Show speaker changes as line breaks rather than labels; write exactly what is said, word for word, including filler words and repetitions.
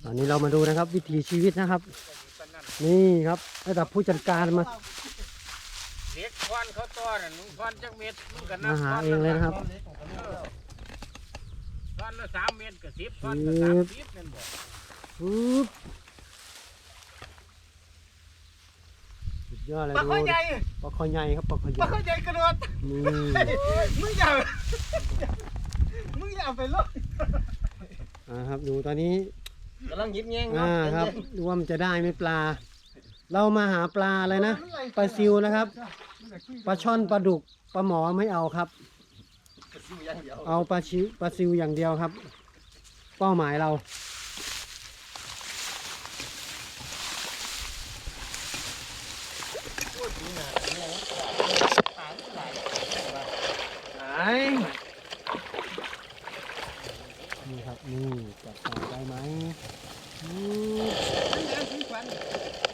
ตอนนี้เรามาดูนะครับวิถีชีวิตนะครับนี่ครับระดับผู้จัดการมา
เด็กควันเขาต้อนมึงควันจักเม็ดมึงก็นั
มาหาเองเลยนะครับ
ควันละสามเม็ดกับสิบควันละสามสิบนั่นบ่
ปึ๊บสุดยอดเลยดูปลาคอใหญ่ครับปลาคอใหญ่
ปลาคอใหญ่กระโดด
นี่
มึงอย่ามึงอย่าไปลบ
อ่าครับดูตอนนี้
กำลังยิบแยง
อ่าครับดูว่ามันจะได้ไหมปลา เรามาหาปลาอะไรนะปลาซิวนะครับปลาช่อนปลาดุกปลาหมอไม่เอาครับ เอาปลาชิปลาซิวอย่างเดียวครับ เป้าหมายเรานี่ครับนี่จับปลาได้ไหม